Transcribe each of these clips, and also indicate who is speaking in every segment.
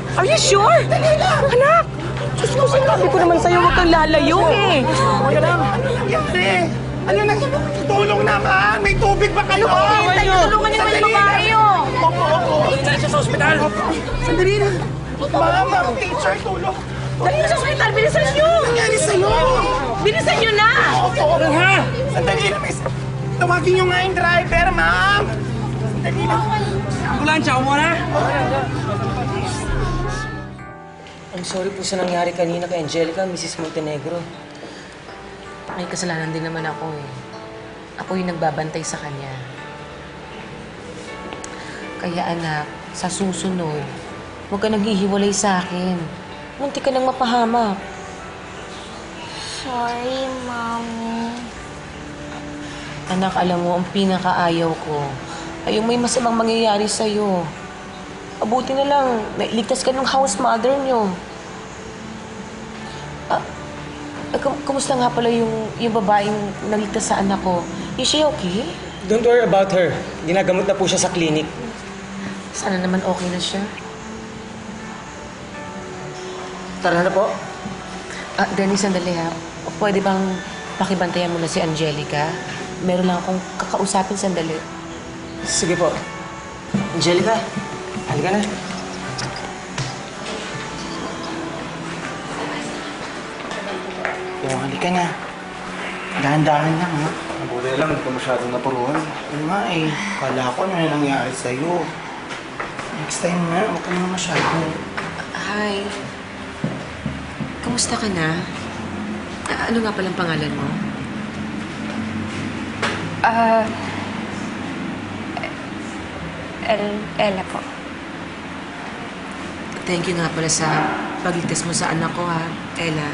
Speaker 1: Are you sure?
Speaker 2: Dali lang!
Speaker 1: Anak! Diyos ko, sinabi ko naman sa'yo, huwag kang lalayo eh.
Speaker 2: Wala lang. Nangyari? Ano na? Tulong naman! May tubig ba kayo?
Speaker 1: Hintay, tulungan niyo naman yung babae oh.
Speaker 2: Opo.
Speaker 3: Dali siya sa ospital!
Speaker 2: Sandali na. Ma'am, teacher, tulong.
Speaker 1: Dali niyo sa ospital, bilisan niyo!
Speaker 2: Nangyari sa'yo?
Speaker 1: Bilisan niyo na!
Speaker 2: Opo. Ha? Sandali na, miss. Tawagin niyo nga yung driver, ma'am. Sandali na.
Speaker 3: Ambulansya, umuha na!
Speaker 4: I'm sorry po sa nangyari kanina kay Angelica, Mrs. Montenegro.
Speaker 5: May kasalanan din naman ako eh. Ako yung nagbabantay sa kanya. Kaya anak, sa susunod, huwag ka naghihiwalay sa akin. Munti ka nang mapahamak.
Speaker 6: Sorry, Mommy.
Speaker 5: Anak, alam mo, ang pinakaayaw ko ay yung may masamang mangyayari sa'yo. Mabuti na lang, nailigtas ka ng house mother niyo. Kumusta nga pala yung babaeng naligtas sa anak ko? Is she okay?
Speaker 4: Don't worry about her. Ginagamot na po siya sa clinic.
Speaker 5: Sana naman okay na siya.
Speaker 4: Tara na po.
Speaker 5: Dennis, sandali ha. Pwede bang pakibantayan mo na si Angelica? Meron lang akong kakausapin sandali.
Speaker 4: Sige po. Angelica, halika na.
Speaker 2: Halika na. Dahan-dahan lang, ha?
Speaker 7: Mabuti lang, hindi ka masyadong napuruhan.
Speaker 2: Oo nga eh. Kala ko ano yung nangyari sa'yo. Next time na, huwag ka naman masyado.
Speaker 5: Hi. Kamusta ka na? Ano nga palang pangalan mo?
Speaker 6: Ella po.
Speaker 5: Thank you nga pala sa pagligtas mo sa anak ko, ha, Ella.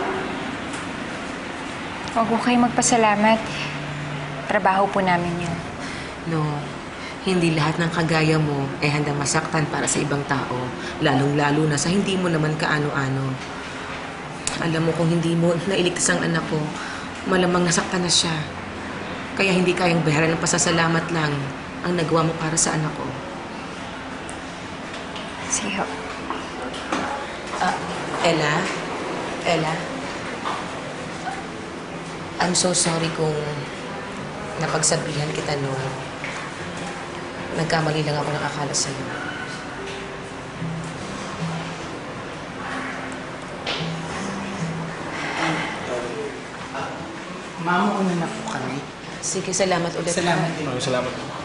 Speaker 6: Huwag po kayo magpasalamat. Trabaho po namin yun.
Speaker 5: No, hindi lahat ng kagaya mo ay handang masaktan para sa ibang tao. Lalong-lalo na sa hindi mo naman kaano-ano. Alam mo, kung hindi mo nailigtas ang anak ko, malamang nasaktan na siya. Kaya hindi kayang bayaran ng pasasalamat lang ang nagawa mo para sa anak ko.
Speaker 6: Sige ho.
Speaker 5: Ella? Ella? I'm so sorry kung napagsabihan kita no. Nagkamali lang ako ng akala sa'yo.
Speaker 2: Mama, una na po kami.
Speaker 5: Sige, salamat ulit.
Speaker 2: Salamat din.
Speaker 7: Maraming salamat.